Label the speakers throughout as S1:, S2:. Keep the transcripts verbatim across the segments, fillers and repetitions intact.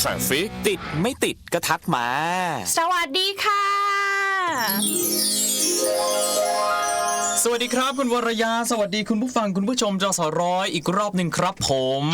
S1: Traffic ติดไม่ติดก็ทักมา
S2: สวัสดีค่ะ
S3: สวัสดีครับคุณวรยาสวัสดีคุณผู้ฟังคุณผู้ชมจสร้อยอีกรอบหนึ่งครับผม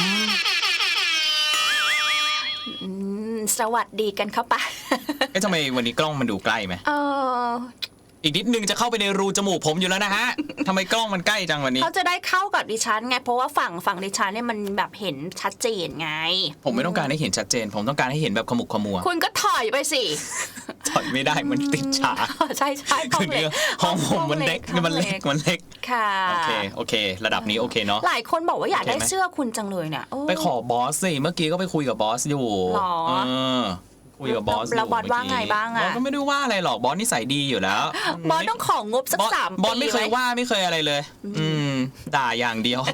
S2: สวัสดีกันครับปะ
S3: เอ๊ะทำไมวันนี้กล้องมันดูใกล้ไหม
S2: เออ
S3: อีกนิดนึงจะเข้าไปในรูจมูกผมอยู่แล้วนะฮะทำไมกล้องมันใกล้จังวันนี้
S2: เขาจะได้เข้ากับดิฉันไงเพราะว่าฝั่งฝั่งดิฉันเนี่ยมันแบบเห็นชัดเจนไง
S3: ผมไม่ต้องการให้เห็นชัดเจนผมต้องการให้เห็นแบบขมุกขมัว
S2: คุณก็ถอยไปสิ
S3: ถอยไม่ได้มันติดฉาก
S2: ใช่ใช่ห้องเล็ก
S3: ห้องผมมันเล็กมันเล็กมันเล็ก
S2: ค่ะ
S3: โอเคโอเคระดับนี้โอเคเนาะ
S2: หลายคนบอกว่าอยากได้เสื้อคุณจังเลยเนี่ย
S3: ไปขอบอสสิเมื่อกี้ก็ไปคุยกับบอสอยู่เออคุยกับบอส
S2: แล้วบอสว่าไงบ้างอ่ะ
S3: บอสก็ไม่ได้ว่าอะไรหรอกบอสนิสัยดีอยู่แล้ว
S2: บอสต้องของงบสักสามปี
S3: บอสไม่เคยว่าไม่เคยอะไรเลยอืมด่าอย่างเดียว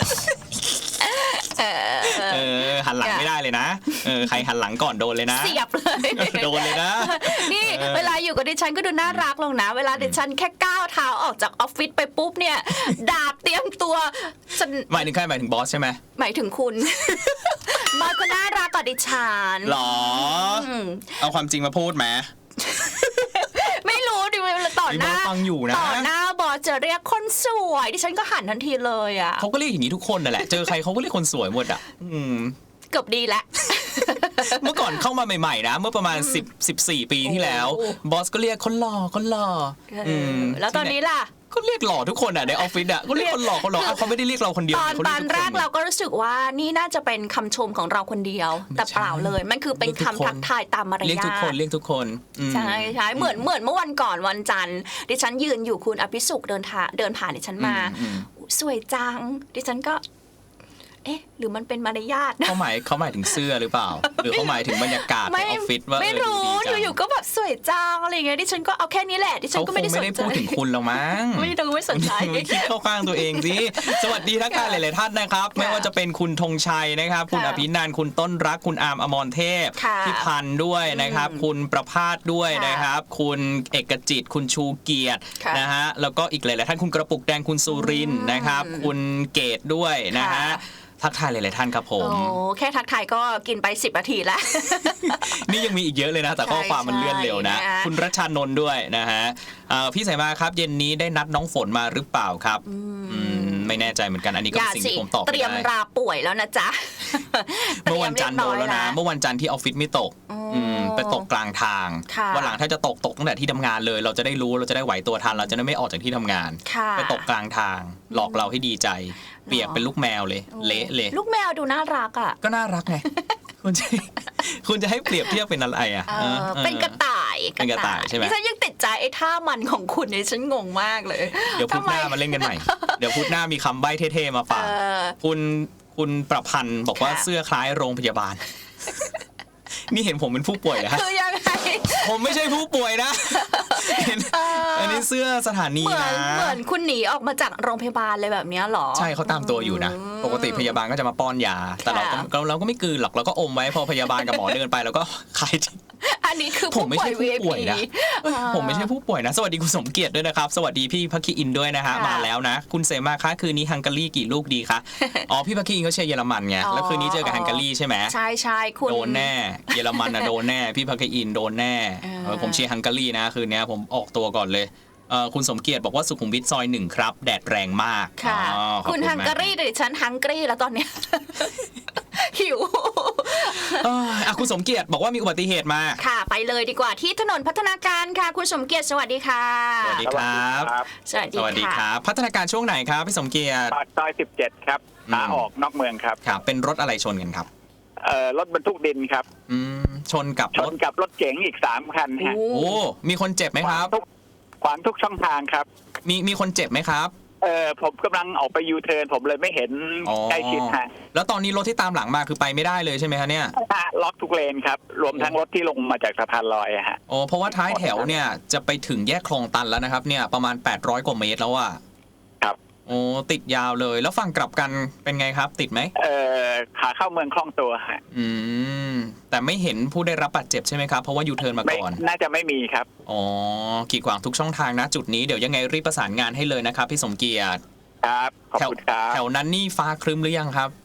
S3: เออหันหลังไม่ได้เลยนะเออใครหันหลังก่อนโดนเลยนะ
S2: เสียบเลย
S3: โดนเลยนะ
S2: นี่เวลาอยู่กับดิฉันก็ดูน่ารักลงนะเวลาดิฉันแค่ก้าวเท้าออกจากออฟฟิศไปปุ๊บเนี่ยดาบเตรียมตัว
S3: หมายถึงใครหมายถึงบอสใช่ไหม
S2: หมายถึงคุณบอสก็น่ารักกับดิฉัน
S3: หรอเอาความจริงมาพูดไหม
S2: ไม่รู้ดิเวลาต่อหน้า
S3: ฟังอยู่นะ
S2: ต่อหน้าบอสจะเรียกคนสวยดิฉันก็หันทันทีเลยอ่ะ
S3: เขาก็เรียกอย่างนี้ทุกคนนั่นแหละเจอใครเขาก็เรียกคนสวยหมดอ่ะ
S2: เกือบดีแล้ว
S3: เมื่อก่อนเข้ามาใหม่ๆนะเมื่อประมาณสิบ สิบสี่ปีที่แล้วบอสก็เรียกคนหล่อคนหล่อ
S2: แล้วตอนนี้ล่ะ
S3: ก็เรียกหล่อทุกคนอ่ะในออฟฟิศอ่ะก็เรียกคนหล่อคนหล่อเขาไม่ได้เรียกเราคนเดียว
S2: ตอนตอนแรกเราก็รู้สึกว่านี่น่าจะเป็นคำชมของเราคนเดียวแต่เปล่าเลยมันคือเป็นคำทักทายตามมารยาท
S3: เรียกทุกคนเรียกทุกคน
S2: ใช่ใช่เหมือนเหมือนเมื่อวันก่อนวันจันทร์ดิฉันยืนอยู่คุณอภิสุขเดินทางเดินผ่านดิฉันมาสวยจังดิฉันก็เอ๊ะหรือมันเป็นมารยาท
S3: เขาหมายเขาหมายถึงเสื้อหรือเปล่าหรือเขาหมายถึงบรรยากาศในออฟฟิศว่า
S2: ไม่รู้อยู่ๆก็แบบสวยจังอะไรเงี้ยดิฉันก็เอาแค่นี้แหละดิฉันก็ไม่ได้สนใจ
S3: เขาคงไม่ได้พูดถึงคุณหรอกมั้ง
S2: ไม่ดูไม่สนใจ
S3: ไม่คิดเข้าข้างตัวเองสิสวัสดีทักทายหลายๆท่านนะครับไม่ว่าจะเป็นคุณธงชัยนะครับคุณอภินันท์คุณต้นรักคุณอาร์มอมรเทพพี่พันธ์ด้วยนะครับคุณประภาสด้วยนะครับคุณเอกจิตคุณชูเกียรตินะฮะแล้วก็อีกหลายๆท่านคุณกระปุกแดงคุณสุรินทร์นะครับคุณเกตด้วยนะฮะทักทายหลายๆท่านครับผม
S2: โอ้แค่ทักทายก็กินไปสิบนาทีแล้ว
S3: นี่ยังมีอีกเยอะเลยนะแต่ข้อความมันเลื่อนเร็วนะคุณรัชชานนท์ด้วยนะฮะพี่สายมาครับเย็นนี้ได้นัดน้องฝนมาหรือเปล่าครับไม่แน่ใจเหมือนกันอันนี้ก็เป็นสิ่งที่ผมตอบไม่ได้
S2: เตรียมราป่วยแล้วนะจ๊ะ
S3: เมื่อวันจันทร์โดนแล้วนะเมื่อวันจันทร์ที่ออฟฟิศไม่ตกไปตกกลางทางวันหลังถ้าจะตกตกตั้งแต่ที่ทำงานเลยเราจะได้รู้เราจะได้ไหวตัวทันเราจะได้ไม่ออกจากที่ทำงานไปตกกลางทางหลอกเราให้ดีใจเปียกเป็นลูกแมวเลยเละเลย
S2: ลูกแมวดูน่ารักอ่ะ
S3: ก็น่ารักไงคุณจะคุณจะให้เปรียบเทียบเป็นอะไรอ่ะ
S2: เป็นกระต่าย
S3: เป็นกระต่ายใช่ไหม
S2: ฉันยังติดใจไอ้ท่ามันของคุณเนี่ยฉันงงมากเลย
S3: เดี๋ยวพุธหน้ามาเล่นกันใหม่เดี๋ยวพุธหน้ามีคำใบ้เท่ๆมาฝากคุณคุณประพันธ์บอกว่าเสื้อคล้ายโรงพยาบาลนี่เห็นผมเป็นผู้ป่วยนะ
S2: คือยังไง
S3: ผมไม่ใช่ผู้ป่วยนะอันนี้เสื้อสถานีนะ
S2: เหมือนคุณหนีออกมาจากโรงพยาบาลเลยแบบนี้หรอ
S3: ใช่เขาตามตัวอยู่นะปกติพยาบาลก็จะมาป้อนยาแต่เราก็เราก็ไม่กลืนหรอกเราก็อมไว้พอพยาบาลกับหมอเดินไปเราก็คาย
S2: อันนี้คือ
S3: ผมไม่ใช่ผู้ป่วยนะผมไม่ใช่ผู้ป่วยนะสวัสดีคุณสมเกียรติด้วยนะครับสวัสดีพี่พักคีอินด้วยนะฮะมาแล้วนะคุณเสมาคะคืนนี้ฮังการีกี่ลูกดีคะอ๋อพี่พักคีอินเขาเชียร์เยอรมันไงแล้วคืนนี้เจอกับฮังการีใช่ไหม
S2: ใช่ใช่คุณ
S3: โดนแน่เยอรมันนะโดนแน่พี่พักคีอินโดนแน่ผมเชียร์ฮังการีนะคืนนี้ผมออกตัวก่อนเลยคุณสมเกียรติบอกว่าสุขุมวิทซอยหนึ่งครับแดดแรงมาก
S2: ค่ะคุณฮังการีหรือฉันฮังการีแล้วตอนเนี้ยหิว
S3: อ่ะคุณสมเกียรติบอกว่ามีอุบัติเหตุมา
S2: ค่ะไปเลยดีกว่าที่ถนนพัฒนาการค่ะคุณสมเกียรติสวัสดีค่ะ
S3: สวัสดีครับ
S2: สวัสดี
S3: ครับพัฒนาการช่วงไหนครับพี่สมเกียรติ
S4: ปากซอยสิบเจ็ดครับขาออกนอกเมืองครับ
S3: ครับเป็นรถอะไรชนกันครับ
S4: เอ่อรถบรรทุกดินครับ
S3: อืมชนกับ
S4: ชนกับรถเก๋งอีกสามคันฮะ
S3: โอ้มีคนเจ็บไหมครับ
S4: ขวางทุกช่องทางครับ
S3: มีมีคนเจ็บไหมครับ
S4: เออผมกำลังออกไปยูเทิร์นผมเลยไม่เห็นใกล้ชิดฮะ
S3: แล้วตอนนี้รถที่ตามหลังมาคือไปไม่ได้เลยใช่ไหมคะเนี่ย
S4: ล็อกทุกเลนครับรวมทั้งรถที่ลงมาจากสะพานลอยฮะ
S3: โอ้เพราะว่าท้ายแถวเนี่ยจะไปถึงแยกคลองตันแล้วนะครับเนี่ยประมาณแปดร้อยกว่าเมตรแล้วอ่ะ
S4: ครับ
S3: โอ้ติดยาวเลยแล้วฝั่งกลับกันเป็นไงครับติดไหม
S4: เออขาเข้าเมืองคล่องตัวฮะ
S3: อืมแต่ไม่เห็นผู้ได้รับบาดเจ็บใช่ไหมครับเพราะว่ายูเทิร์นมาก่อน
S4: น่าจะไม่มีครับ
S3: อ๋อกีดขวางทุกช่องทางนะจุดนี้เดี๋ยวยังไงรีบประสานงานให้เลยนะครับพี่สมเกียรติ
S4: ครับขอบคุณครับ
S3: แถวนั้นนี่ฟ้าครึ้มหรือยังครับ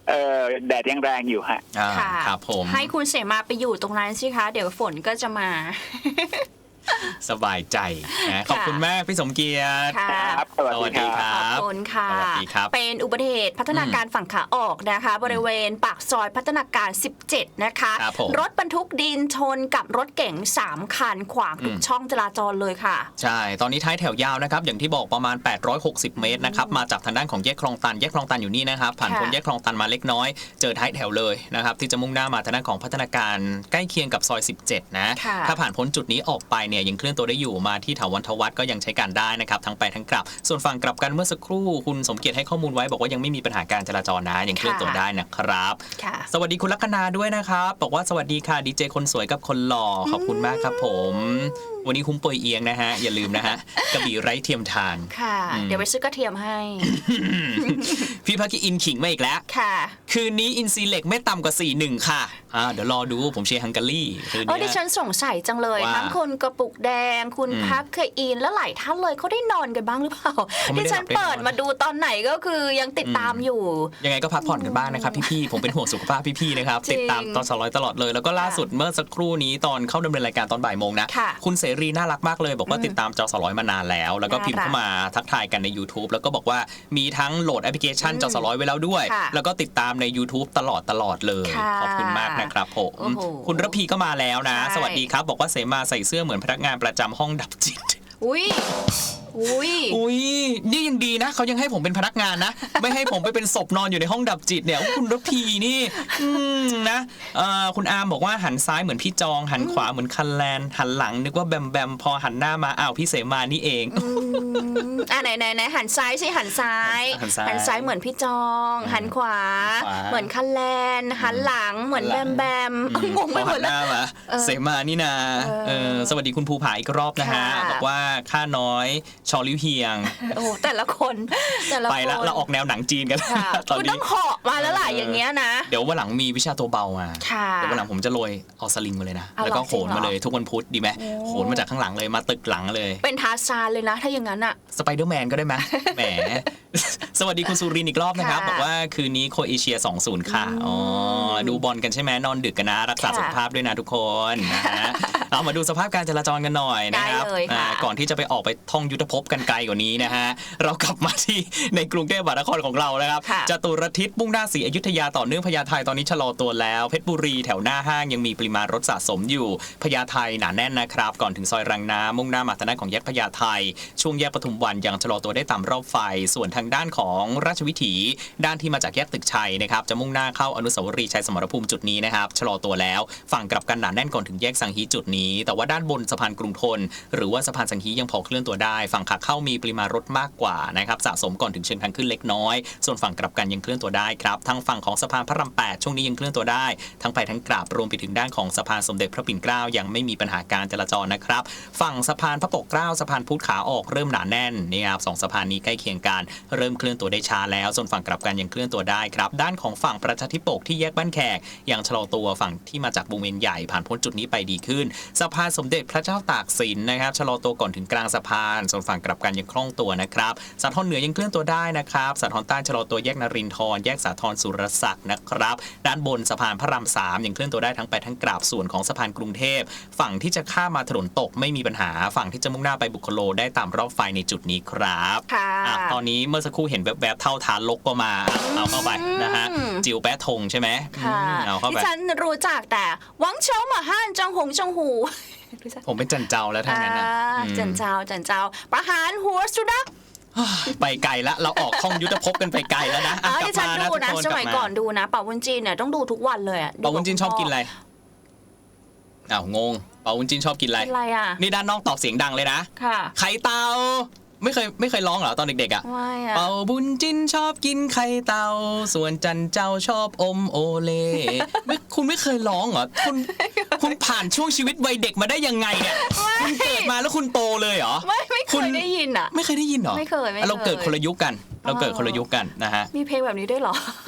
S4: เออแดดยังแรงอยู่ฮะ
S3: อ่า
S2: ค่ะ
S3: ครับผม
S2: ให้คุณเสมาไปอยู่ตรงนั้นสิคะ เดี๋ยวฝนก็จะมา
S3: สบายใจนะขอบคุณมากพี่สมเกียรติ
S2: ค่ะ
S4: ครับสวัส
S3: สวัส
S4: ดี
S3: ดี
S4: ค
S3: ครับ รับ
S2: ขอบคุณค่ะ
S3: สวัสดีครับ
S2: เป็นอุบัติเหตุพัฒนาการฝั่งขาออกนะคะ บริเวณปากซอยพัฒนาการ สิบเจ็ด นะคะ
S3: ครับผม
S2: รถบรรทุกดินชนกับรถเก๋งสามคันขวางทุกช่องจราจรเลยค่ะ
S3: ใช่ ตอนนี้ท้ายแถวยาวนะครับ อย่างที่บอกประมาณ แปดร้อยหกสิบ เมตรนะครับ มาจากทางด้านของแยกคลองตัน แยกคลองตันอยู่นี่นะครับ ผ่านพ้น
S2: ค่ะ
S3: แยกคลองตันมาเล็กน้อย เจอท้ายแถวเลยนะครับ ที่จะมุ่งหน้ามาทางด้านของพัฒนาการใกล้เคียงกับซอย สิบเจ็ด นะ
S2: ค่ะ
S3: ถ้าผ่านพ้นจุดนี้ออกไปเนี่ยยังเคลื่อนตัวได้อยู่มาที่ถาวรทวัฒน์ก็ยังใช้การได้นะครับ ทั้งไปทั้งกลับ ส่วนฝั่งกลับกันเมื่อสักครู่คุณสมเกียรติให้ข้อมูลไว้บอกว่ายังไม่มีปัญหาการจราจรนะ ยังเคลื่อนตัวได้นะครับ
S2: ค่ะ
S3: สวัสดีคุณลัคนาด้วยนะครับ บอกว่าสวัสดีค่ะดีเจคนสวยกับคนหล่อขอบคุณมากครับผม วันนี้คุ้มปวยเอียงนะฮะ อย่าลืมนะฮะ กระบี่ไร้เทียมทาน
S2: ค่ะ เดี๋ยวไปซื้อกระเทียมให้
S3: พี่พักกี้อินขิงมาอีกแล้ว
S2: ค่ะ
S3: คืนนี้อินซีเล็กไม่ต่ำกว่า สี่หนึ่ง ค่ะอ่าเดี๋ยวรอดูผมเชียร์ฮังการีคืน
S2: เออดิ
S3: นี้
S2: ฉันสงสัยจังเลย
S3: ว่า
S2: ทั้งคุณกระปุกแดง คุณ
S3: อืม
S2: พักเคยอินและหลายท่านเลยเขาได้นอนกันบ้างหรือเปล่า
S3: เขาไม่
S2: ดิ
S3: ได้
S2: ฉัน
S3: หลับได้นอน
S2: เปิดมาดูตอนไหนก็คือยังติดตามอยู่
S3: ยังไงก็พักผ่อนกันบ้างนะครับพี่ๆผมเป็นห่วงสุขภาพพี่ๆนะครับ
S2: จริง
S3: ติดตามตอนสร้อยตลอดเลยแล้วก็ล่าสุดเมื่อสักครู่นี้ตอนเข้าดำเนินรายการตอนบ่ายโมงนะ
S2: ค่ะ
S3: คุณเสรีน่ารักมากเลย บอกว่าติดตามจอสร้อยมานานแล้ว แล้วก็พิมพ์เข้ามาทักทายกันใน YouTube แล้วก็บอกว่ามีทั้งโหลดแอปพลิเคชันจอสร้อยไว้แล้วด้วย
S2: ค่ะ
S3: แล้วก็ติดตามใน YouTube ตลอดตลอดเลย
S2: ค่ะ
S3: ขอบคุณมากนะครับผม
S2: โอ้โห
S3: คุณระพีก็มาแล้วนะ
S2: ใช่
S3: สวัสดีครับ บอกว่าเสมาใส่เสื้อเหมือนพนักงานประจำห้องดับจิต
S2: อุ้ยอุ้ย
S3: อุ้ยนี่ยังดีนะเขายังให้ผมเป็นพนักงานนะ ไม่ให้ผมไปเป็นศพนอนอยู่ในห้องดับจิตเนี่ยคุณระพีนี่อืมนะเอ่อคุณอาร์มบอกว่าหันซ้ายเหมือนพี่จอง หันขวาเหมือนคันแลนหันหลังนึกว่าแบมแบมพอหันหน้ามาอ้าวพี่เสมานี่เอง
S2: อืมอ่ะไหนไหนไหนหันซ้ายสิหันซ้าย
S3: หันซ้าย
S2: หันซ้ายเหมือนพี่จอง หันขวา
S3: ขวา
S2: เหมือนคันแลนหันหลังเหมือนแบมแบมงง
S3: พ
S2: ไป
S3: อ
S2: หม
S3: หั
S2: ด
S3: น
S2: เล
S3: ห
S2: ย
S3: น้ามา
S2: เออ
S3: เสมานี่นา
S2: เออ
S3: เออสวัสดีคุณภูผาอีกรอบนะฮะ
S2: ค่ะ
S3: บอกว่าข้าน้อยชอลิวเฮียง
S2: โอ้แต่ละคนแต่ละคน
S3: ไปแล้วเราออกแนวหนังจีนกัน
S2: ค่ะ
S3: ตอน
S2: คุณ
S3: นี้
S2: ต้องเหาะมาแล้วล่ะอย่างเงี้ยนะ
S3: เดี๋ยววันหลังมีวิชาตัวเบามา
S2: ค่ะ
S3: เดี๋ยววันหลังผมจะโรยเอาสลิงมาเลยนะ
S2: เอา
S3: แล้วก็
S2: เหรอ
S3: โหนมา
S2: จริงเหรอ
S3: เลยทุกวันพุธดีไหม
S2: โอ้
S3: โหนมาจากข้างหลังเลยมาตึกหลังเลย
S2: เป็นทาร์ซานเลยนะ ถ้าอย่างนั้นอ่ะ
S3: สไปเดอร์แมนก็ได้ไหม แหม สวัสดีคุณสุรินทร์อีกรอบนะครับ
S2: ค่ะ
S3: บอกว่าคืนนี้โครเอเชีย สองศูนย์ ค่ะ อ๋อ ดูบอลกันใช่ไหมนอนดึกกันนะ รักษา
S2: ค่ะ
S3: สุขภาพด้วยนะทุกคนนะฮะ เอามาดูสภาพการจราจรกันหน่อยนะครับ
S2: ได้เลยค่ะ
S3: อ่าก่อนที่จะไปออกไปท่องยุทธภพกันไกลกว่านี้นะฮะ เรากลับมาที่ในกรุงเทพมหานครของเรานะครับ
S2: ค่ะ
S3: จตุรทิศมุ่งหน้าศรีอยุธยาต่อเนื่องพญาไทตอนนี้ชะลอตัวแล้ว เพชรบุรีแถวหน้าห้างยังมีปริมาณรถสะสมอยู่พญาไทหนาแน่นนะครับ ก่อนถึงซอยรังน้ำมุ่งหน้ามาทางด้านของแยกพญาไทช่วงแยกปทุมวันยังชะลอตัวได้ตามรอบไฟ ส่วนทางด้านของราชวิถี ด้านที่มาจากแยกตึกชัยนะครับจะมุ่งหน้าเข้าอนุสาวรีย์ชัยสมรภูมิจุดนี้นะครับชะลอตัวแล้วฝั่งกลับกันหนาแน่นก่อนถึงแยกสังฮีจุดนี้ แต่ว่าด้านบนสะพานกรุงทนหรือว่าสะพานสังฮียังพอเคลื่อนตัวได้ ฝั่งขาเข้ามีปริมาณรถมากกว่านะครับสะสมก่อนถึงเชิงทางขึ้นเล็กน้อย ส่วนฝั่งกลับกันยังเคลื่อนตัวได้ครับทางฝั่งของสะพานพระรามแปดช่วงนี้ยังเคลื่อนตัวได้ทั้งไปทั้งกลับรวมไปถึงด้านของสะพานสมเด็จพระปิ่นเกล้ายังไม่มีปัญหาการจราจรนะครับฝั่งสะพานพระปกเกล้าสะพานพุทธขาออกเริ่มหนาแน่นนี่ครับสองสะพานนี้ใกล้เคียงกันเริ่มเคลื่อนตัวได้ช้าแล้วส่วนฝั่งกลับกันยังเคลื่อนตัวได้ครับด้านของฝั่งประชาธิปกที่แยกบ้านแขกยังชะลอตัวฝั่งที่มาจากวงเวียนใหญ่ผ่านพ้นจุดนี้ไปดีขึ้นสะพานสมเด็จพระเจ้าตากสินนะครับชะลอตัวก่อนถึงกลางสะพานส่วนฝั่งกลับกันยังคล่องตัวนะครับสาทรเหนือยังเคลื่อนตัวได้นะครับสาทรใต้ชะลอตัวแยกนรินทร์แยกสาทรสุรศักดิ์นะครับด้านบนสะพานพระรามสามยังเคลื่อนตัวได้ทั้งไปทั้งกลับส่วนของสะพานกรุงเทพฝั่งที่จะข้ามมาถนนตกไม่มีปัญหาฝั่งที่จะมุ่งหน้าไปบุคโลได้ตามรอบไฟในจุดนี้ครับ
S2: ค่ะ
S3: อ่ะตอนนี้เมื่อสักครู่เห็นแวบๆเท่าทานลกก็มาเอาเข้าไปนะฮะจิวแปะทงใช่ไหม
S2: ค่ะ
S3: อืมเอาเข้า
S2: ที่
S3: ไป
S2: ฉันรู้จักแต่หวังเฉาหมาห้านจังหงจังหูรู้จัก
S3: ผมเป็นจันเจ้าแล้วทั้งนั้นนะ
S2: อ่า
S3: อืม
S2: จันเจ้าจันเจ้าประหารหัวสุนัข
S3: ไปไกลแล้วเราออกท่องยุทธภพกันไปไกลแล้วนะ
S2: อ๋
S3: อ่ะ
S2: อก
S3: ลับ
S2: ที่ฉัน
S3: มานะ
S2: ดู
S3: ทุก
S2: นะ
S3: คน
S2: ส
S3: กลั
S2: มัย
S3: บมา
S2: ก่อนดูนะเป่าวุ้นจีนเนี่ยต้องดูทุกวันเลยอะ
S3: เปาวุ้นจินชอบกินอะไรอ้าวงงเปาวุ้นจินชอบกินอะไร
S2: กินอะไรอ่ะ
S3: นี่ด้านนอกตอบเสียงดังเลยนะ
S2: ค่ะ
S3: ไข่เต่าไม่เคยไม่เคยร้องเหรอตอนเด็กๆอ่ะ
S2: ไม่อ่ะ
S3: เป่าบุญจินชอบกินไข่เต่าส่วนจันเจ้าชอบอมโอเลไม่คุณไม่เคยร้องเหรอคุณคุณผ่านช่วงชีวิตวัยเด็กมาได้ยังไงเนี่ยคุณเกิดมาแล้วคุณโตเลยเหรอ
S2: ไม่ไม่เค
S3: คุณ
S2: ยได้ยินอ่ะ
S3: ไม่เคยได้ยินเหรอ
S2: ไม่เคยไม่เคย
S3: เราเกิดคนละยุคกัน เราเกิดคนละยุคกันนะฮะ
S2: มีเพลงแบบนี้ด้วยเหรอ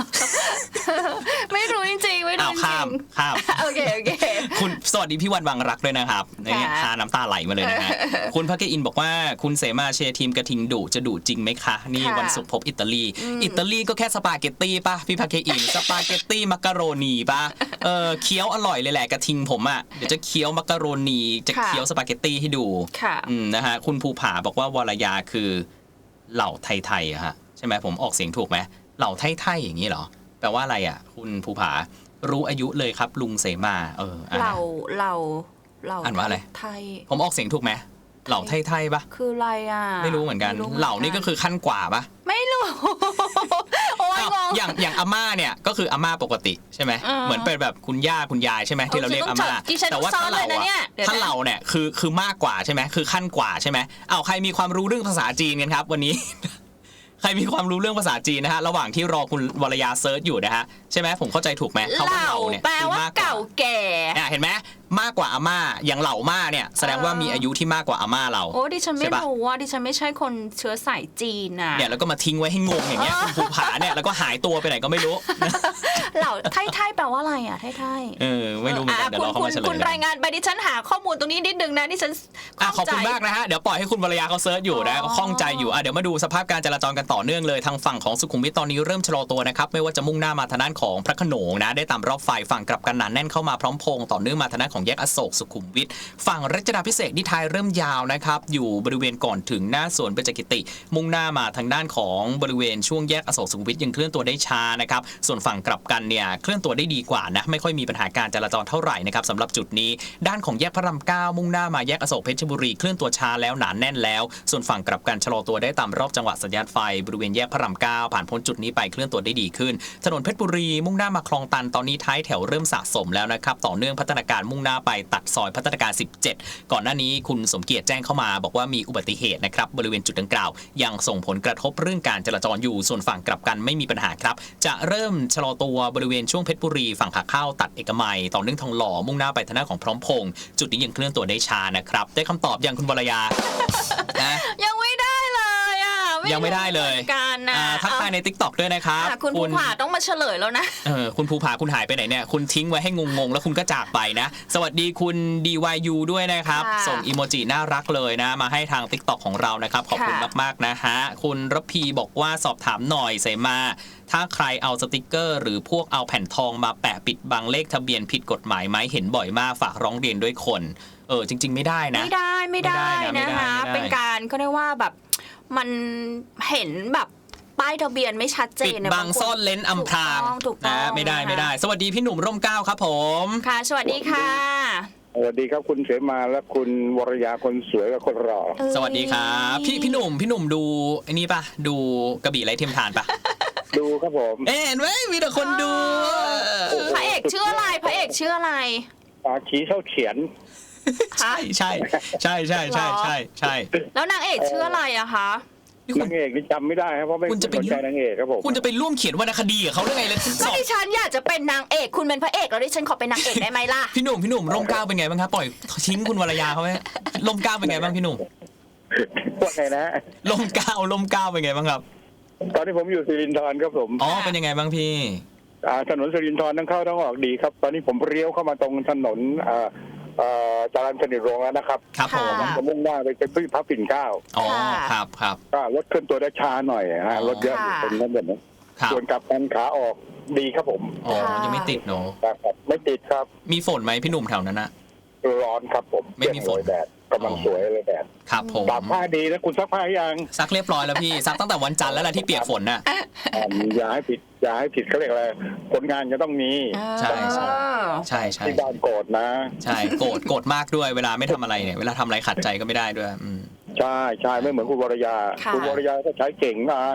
S2: ไม่รู้จริงๆไม่รู้
S3: อ้าว
S2: จริ
S3: ข้าม
S2: ง
S3: ข้าม
S2: ๆโอเคโอเค
S3: คุณสวัสดีพี่วันวังรักด้วยนะครับเนี่ยพาน้ำตาไหลมาเลยนะฮะ คุณพักเกอินบอกว่าคุณเสมาเชียร์ทีมกระทิงดุจะดุจริงไหมคะ นี่
S2: ค่ะ
S3: วันศุกร์พบอิตาลี อิตาลีก็แค่สปาเกตตี้ป่ะพี่พักเกอิน สปาเกตตี้มักกะโรนีป่ะเออเคี้ยวอร่อยเลยแหละกระทิงผมอ่ะเดี๋ยวจะเคี้ยวมักกะโรนีจะเคี้ยวสปาเกตตี้ให้ดู
S2: ค่ะ
S3: อืมนะฮะคุณภูผาบอกว่าวรยาคือเหล่าไทยๆอะฮะใช่ไหมผมออกเสียงถูกไหมเหล่าไทยๆอย่างนี้เหรอแปลว่าอะไรอ่ะคุณภูผารู้อายุเลยครับลุงเสมาเอออ่ะ
S2: เราเราเรา
S3: อ่านว่าอะไร
S2: ไทย
S3: ผมออกเสียงถูกไหมเหล่าไทยๆปะ
S2: คืออะไรอ่ะ
S3: ไม่รู้เหมือนกัน
S2: ไม่รู้
S3: เหล่านี่ก็คือขั้นกว่าปะ
S2: ไม่รู้ โอ้ย
S3: อ้าว
S2: งง
S3: อย่างอย่างอาม่าเนี่ยก็คืออาม่าปกติใช่ไหม
S2: อืม
S3: เหมือนเป็นแบบคุณย่าคุณยายใช่ไหมที่เราเรียกอาม่า
S2: ดิฉันต้อง
S3: แต่ว่า
S2: ซ้อ
S3: ถ้าน
S2: เล
S3: เรา
S2: ยนะเนี่ย
S3: อะ
S2: เดี๋ยวนะ
S3: ถ้าเราเนี่ยคือคือมากกว่าใช่ไหมคือขั้นกว่าใช่ไหมเอาใครมีความรู้เรื่องภาษาจีนกันครับวันนี้ ใครมีความรู้เรื่องภาษาจีนนะฮะระหว่างที่รอคุณวรยาเซิร์ชอยู่นะฮะใช่ไหมผมเข้าใจถูกไหม
S2: เห
S3: คำว่า
S2: ล่า
S3: เหล่าเนี่ย
S2: แปล
S3: คือ
S2: ว่าม
S3: ากกว่า
S2: เก่าแก่
S3: อ่ะเห็นไหมมากกว่าอาม่าอย่างเหล่าม่าเนี่ยแสดงว่ามีอายุที่มากกว่าอาม่าเรา
S2: โอ้ดิฉันไม่
S3: ใช่ปะ
S2: รู้ว่าดิฉันไม่ใช่คนเชื้อสายจีนน่ะ
S3: เนี่ยแล้วก็มาทิ้งไว้ให้งงอย่างเงี้ยคุณภูผาเนี่ยแล้วก็หายตัวไปไหนก็ไม่รู้
S2: เหล่าไทยไทยแปลว่าอะไรอ่ะไทยไทย
S3: เออไม่รู้เหมือนกันเดี๋ยว
S2: คุณ
S3: เราเข้า
S2: คุณ
S3: มาเฉล
S2: คุณ
S3: ย
S2: รายงานไปดิฉันหาข้อมูลตรงนี้นิดนึงนะดิฉัน
S3: อ่ะข
S2: ข้
S3: อบ
S2: งใจ
S3: คุณมากนะฮะเดี๋ยวปล่อยให้คุณวรยาเขาเซิร์ชอยู่นะ
S2: อ๋อ
S3: ก็คล่องใจอยู่อ่ะเดี๋ยวมาดูสภาพการจราจรกันต่อเนื่องเลยทางฝั่งของสุขุมวิทตอนนี้เริ่มชะลอตัวนะครับไม่ว่าจะมุ่งหน้ามาทางด้านของพระโขนงนะได้ตามรอบไฟฝั่งกลับกันหนาแน่นเข้ามาพร้อมพงษ์ต่อเนื่องมาทางด้านของแยกอโศกสุขุมวิทฝั่งรัชดาภิเษกนี่ท้ายเริ่มยาวนะครับอยู่บริเวณก่อนถึงหน้าสวนเบญจกิติ มุ่งหน้ามาทางด้านของบริเวณช่วงแยกอโศกสุขุมวิทยังเคลื่อนตัวได้ช้านะครับส่วนฝั่งกลับกันเนี่ยเคลื่อนตัวได้ดีกว่านะไม่ค่อยมีปัญหาการจราจรเท่าไหร่นะครับสำหรับจุดนี้ด้านของแยกพระรามเก้ามุ่งหน้ามาแยกอโศกเพชรบุรีเคลื่อนตัวช้าแล้วหนาแน่นแล้วส่วนฝั่งกลับกันชะลอตัวได้ตามรอบจังหวะสัญญาณไฟบริเวณแยกพระรามเก้าผ่านพ้นจุดนี้ไปเคลื่อนตัวได้ดีขึ้นถนนเพชรบุรีมุ่งหน้ามาคลองตันตอนนี้ท้ายแถวเริ่มสะสมแล้วนะครับต่อเนื่องพัฒนาการมุ่งหน้าไปตัดซอยพัฒนาการสิบเจ็ดก่อนหน้านี้คุณสมเกียรติแจ้งเข้ามาบอกว่ามีอุบัติเหตุนะครับบริเวณจุดดังกล่าวยังส่งผลกระทบเรื่องการจราจรอยู่ส่วนฝั่งกลับกันไม่มีปัญหาครับจะเริ่มชะลอตัวบริเวณช่วงเพชรบุรีฝั่งขาเข้าตัดเอกมัยต่อเนื่องทองหล่อมุ่งหน้าไปทางด้านของพร้อมพงษ์จุดนี้ยังเคลื่อนตัวได้ช้านะครับได้คำตอบยังคุณวรยา นะ
S2: ยังไม่ได้เลยอ่ะ
S3: ยังไม่ได้เลย
S2: รู้หมือนกันนะ
S3: อ่าทักทายใน ติ๊กต็อก ด้วยนะครับ
S2: อ่ะคุณภูผาต้องมาเฉลยแล้วนะ
S3: เออคุณภูผาคุณหายไปไหนเนี่ยคุณทิ้งไว้ให้งงๆแล้วคุณก็จากไปนะสวัสดีคุณ ดี วาย ยู ด้วยนะครับ
S2: ค่ะ
S3: ส่งอีโมจิน่ารักเลยนะมาให้ทาง ติ๊กต็อก ของเรานะครับขอบคุณ
S2: ค่ะ
S3: มากๆนะฮะคุณระพีบอกว่าสอบถามหน่อยเสมา ถ้าใครเอาสติกเกอร์ หรือพวกเอาแผ่นทองมาแปะปิดบังเลขทะเบียนผิดกฎหมายไหมเห็นบ่อยมากฝากร้องเรียนด้วยคนเออจริง ๆ ไม่ได้นะ
S2: ไม่ได้ไม่ได้
S3: ไม่ได้นะ
S2: นะคะ
S3: ไม่ได้
S2: เป็นการก็ได้ว่าแบบมันเห็นแบบป้ายทะเบียนไม่ชัดเจ
S3: ปิด
S2: นเย
S3: บัง
S2: บคน
S3: ซ่อนเลนอำพราง
S2: ถูกต้องถูกต้อง
S3: นะไม่ได้
S2: นะคะ
S3: ไม่ได้ สวัสดีพี่หนุ่มร่มเกล้าครับผม
S2: ค่ะ สวัสดีค่ะ
S5: สวัสดีครับคุณเสมาและคุณวรยาคนสวยกับคนหล่อ
S2: เอ้ย
S3: สวัสดีครับพี่พี่หนุ่มพี่หนุ่มดูไอ้นี่ปะดูกระบี่ไร้เทียมทานปะ
S5: ดูครับผม
S3: เอ๊ะเห็นไหมมีแต่คนดู
S2: พระเอกชื่ออะไรพระเอกชื่ออะไร
S5: อาขีเท่าเฉียน
S3: ใช่ใช่ใช่ใช่ใช่ใช่ใช่
S2: แล้วนางเอกชื่ออะไรอะคะ
S3: นี่คุ
S5: นา
S3: ณ
S5: งเอกนี่จำไม่ได้ครับเพราะไม่
S3: คุณจะไป
S5: สนใจนางเอกครับผม
S3: คุณจะไปร่วมเขียนวรรณคดีกับเขาเรื่องไงเลยส
S2: ก็
S3: อบ
S2: ดิฉันอยากจะเป็นนางเอกคุณเป็นพระเอกแล้วดิฉันขอเป็นนางเอกได้ไหมล่ะ
S3: พี่หนุ่มพี่หนุ่มร่มเกล้าเป็นไงบ้างครับปล่อยทิ้งคุณวรยาเขาไหมร่มเกล้าเป็นไงบ้างพี่หนุ่ม
S5: พวกไงนะ
S3: ร่มเกล้าร่มเกล้าเป็นไงบ้างครับ
S5: ตอนนี้ผมอยู่สิรินธรครับผม
S3: อ๋อเป็นยังไงบ้างพี่
S5: อ่าถนนสิรินธรทั้งเข้าทั้งออกดีครับ ตอนนี้ผมเลี้ยวเข้ามาตรงถนนอ่าอ่าจรัญสนิทวงศ์แล้วนะครับ
S3: ครับผม
S2: ค่ะ
S5: จะมุ่งหน้าไปเป็นพื้นพระปิ่นเกล้า
S3: อ๋อ
S2: ค่ะ
S3: ครับครับ
S5: ก็รถเคลื่อนตัวได้ช้าหน่อยฮะรถเยอะอยู่
S2: ค่ะ
S5: ตรงนั้นแบบนี้
S3: ครับ
S5: ส่วนกลับกันขาออกดีครับผม
S3: อ๋อ
S2: ค่ะ
S3: ยังไม่ติดเนาะ
S5: ครับไม่ติดครับ
S3: มีฝนไหมพี่หนุ่มแถวนั้นนะ
S5: ร้อนครับผม
S3: ไม่มีฝน
S5: เปรี้ยงโรยแดดกำลังสวยเลยแดด
S3: ครับผม
S5: ตากผ้าดีนะคุณซักผ้ายัง
S3: ซักเรียบร้อยแล้วพี่ซักตั้งแต่วันจันทร์แล้วแหละที่เปียกฝนน่ะ
S5: อ่าอย่าให้ผิดอย่าให้ผิดเขาเรียกอะไรผลงานจะต้องมี
S3: ใช่ใช่
S2: เออ
S3: ใช่ใช่
S5: ที่บ้านโกรธนะ
S3: ใช่โกรธโกรธมากด้วยเวลาไม่ทำอะไรเนี่ยเวลาทำอะไรขัดใจก็ไม่ได้ด้วยอืม
S5: ใช่ใช่ไม่เหมือนคุณวรยา
S2: ค่ะ
S5: คุณวรยาก็ใช้เก่งงาน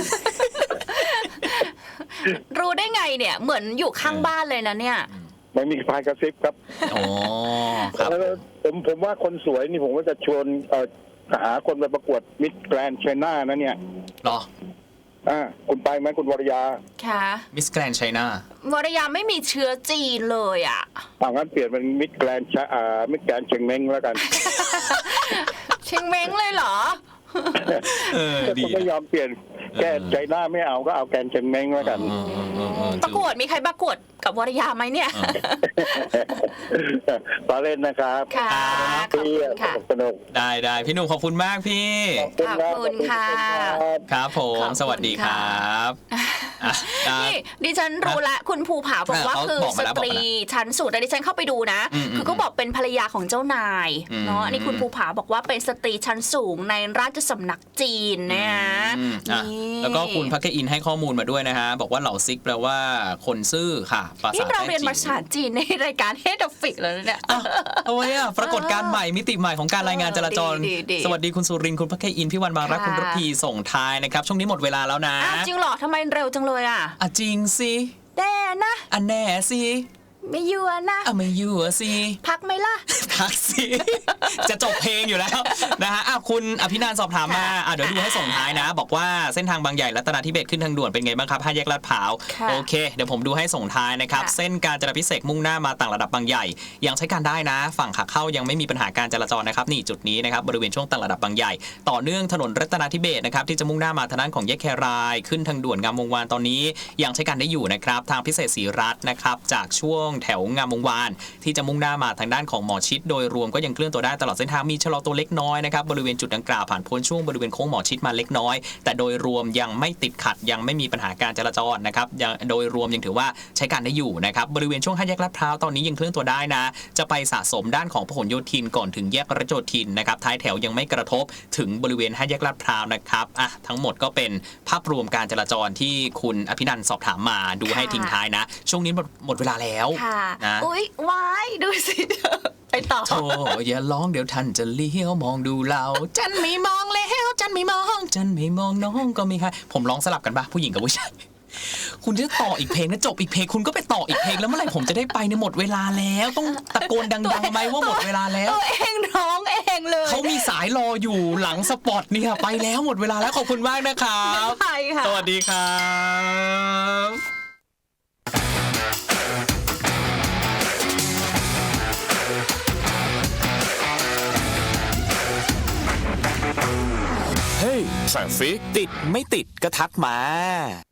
S2: รู้ได้ไงเนี่ย เหมือนอยู่ข้างบ้านเลยนะเนี่ย
S5: ไม่มีพายกระซิบครับ
S3: อ๋อครับ
S5: แล้วผมผมว่าคนสวยนี่ผมก็จะชวนเอ่อหาคนไปประกวดมิสแกรนด์ไชน่านะเนี่ย
S3: เหรอ
S5: อ่าคุณไปไหมคุณวรยา
S2: ค่ะ
S3: มิสแกรนด์ไชน่าว
S2: รยาไม่มีเชื้อจีนเลยอ่ะ
S5: เอางั้นเปลี่ยนเป็นมิสแกรนด์อ่ามิสแกรนด์เชียงเม้งแล้วกัน
S2: เชียงเม้งเลยเหรอ
S3: เออ
S5: ก็
S3: ดี
S5: ไม่ยอมเปลี่ยนแก้ใจหน้าไม่เอาก็เอาแกนเจงเม้งแล้วกัน
S3: เออเออเออเออ
S2: ประกวดมีใครประกวดกับวรยาไหมเนี่ย
S5: ต่อเล่นนะครับ
S2: ค่ะขอบคุณค่ะ
S5: สนุก
S3: ได้ได้พี่หนุ่มขอบคุณมากพี่
S2: ขอบคุณค่ะ
S3: ครับผม
S2: ขอบคุณ
S3: สวัสดีครับอ่ะได้
S2: นี่ดิฉันรู้ละคุณภูผาบอกว่า
S3: เขา
S2: คือ
S3: บอก
S2: ส
S3: มาแล้ว
S2: ตรีชั้นสูงแต่ดิฉันเข้าไปดูนะ
S3: อืม
S2: คือก็บอกเป็นภรรยาของเจ้านาย
S3: อืม
S2: เนาะอันนี้คุณภูผาบอกว่าเป็นสตรีชั้นสูงในราชสำนักจีนนะ
S3: อืมอ่ะ
S2: นี่
S3: แล้วก็คุณพักเกอินให้ข้อมูลมาด้วยนะฮะ บอกว่าเหล่าซิกแปลว่าคนซื่อค่ะภาษา
S2: นี่เรา
S3: แต้
S2: เรียน
S3: จิ๋ว
S2: ภาษาจีนในรายการเฮดฟิกแล้วเนี่ย
S3: อ่ะเอาไว้อะปรากฏการณ์ใหม่มิติใหม่ของการรายงานจราจร
S2: ดีดีดี
S3: สวัสดีคุณสุรินทร์คุณพักเกอินพี่วันบางรัก
S2: ค่ะ
S3: คุณระพีส่งท้ายนะครับ ช่วงนี้หมดเวลาแล้วนะ
S2: อ้าวจริงเหรอทำไมเร็วจังเลยอ่ะ
S3: อ่ะจริงสิ
S2: แน่นะ
S3: อันแน่สิ
S2: ไม่ยัวนะ
S3: อ่ะไม่อยู่อะสิ
S2: พักไหมล่ะ
S3: พักสิ จะจบเพลงอยู่แล้วนะฮะอ่ะคุณอภินันท์สอบถามมาอ่ะเดี๋ยวดูให้ส่งท้ายนะ บอกว่าเส้นทางบางใหญ่รัตนาธิเบศรขึ้นทางด่วนเป็นไงบ้างครับห้าแยกลาดพร้าว
S2: ค่ะ
S3: โอเคเดี๋ยวผมดูให้ส่งท้ายนะครับ
S2: ค่ะ
S3: เส้นการจราพิเศษกมุ่งหน้ามาต่างระดับบางใหญ่ยังใช้การได้นะ ฝั่งขาเข้ายังไม่มีปัญหาการจราจรนะครับนี่จุดนี้นะครับบริเวณช่วงต่างระดับบางใหญ่ต่อเนื่องถนนรัตนาธิเบศรนะครับที่จะมุ่งหน้ามาทางด้านของแยกแครายขึ้นทางด่วนงามวงวานตอนนี้ยังใช้การได้อยู่นะครับทางพิเศษศรีรัตน์นะครับจากช่วงแถวงามวงวานที่จะมุ่งหน้ามาทางด้านของหมอชิดโดยรวมก็ยังเคลื่อนตัวได้ตลอดเส้นทางมีชะลอตัวเล็กน้อยนะครับบริเวณจุดดังกล่าวผ่านพ้นช่วงบริเวณโค้งหมอชิดมาเล็กน้อยแต่โดยรวมยังไม่ติดขัดยังไม่มีปัญหาการจราจรนะครับยังโดยรวมยังถือว่าใช้การได้อยู่นะครับบริเวณช่วงห้าแยกลาดพร้าวตอนนี้ยังเคลื่อนตัวได้นะจะไปสะสมด้านของพหลโยธินก่อนถึงแยกรัชโยธินนะครับท้ายแถวยังไม่กระทบถึงบริเวณห้าแยกลาดพร้าวนะครับอ่ะทั้งหมดก็เป็นภาพรวมการจราจรที่คุณอภินันท์สอบถามมาดูให้ทิ้งท้ายนะ ช่วงนี้หมดหมดเวลาแล้ว
S2: ค่ะ
S3: นะ
S2: อุ๊ยวายดูสิเธอไปต่อ
S3: โธ่อย่าร้องเดี๋ยวท่านจะเลี้ยวมองดูเราจันไม่มองแล้วจันไม่มองจันไม่มองน้องก็ไม่ค่ะผมร้องสลับกันปะผู้หญิงกับผู้ชายคุณจะต่ออีกเพลงนะจบอีกเพลงคุณก็ไปต่ออีกเพลงแล้วเมื่อไหร่ผมจะได้ไปในยหมดเวลาแล้วต้องตะโกนดังๆไหมว่าหมดเวลาแล้ว
S2: ตัวเองร้องเองเลย
S3: เขามีสายรออยู่หลังสปอตเนี่ยไปแล้วหมดเวลาแล้วขอบคุณมากนะครับ
S2: ไปค่ะ
S3: สวัสดีครับ
S1: เฮ้ย Traffic ติดไม่ติดก็ทักมา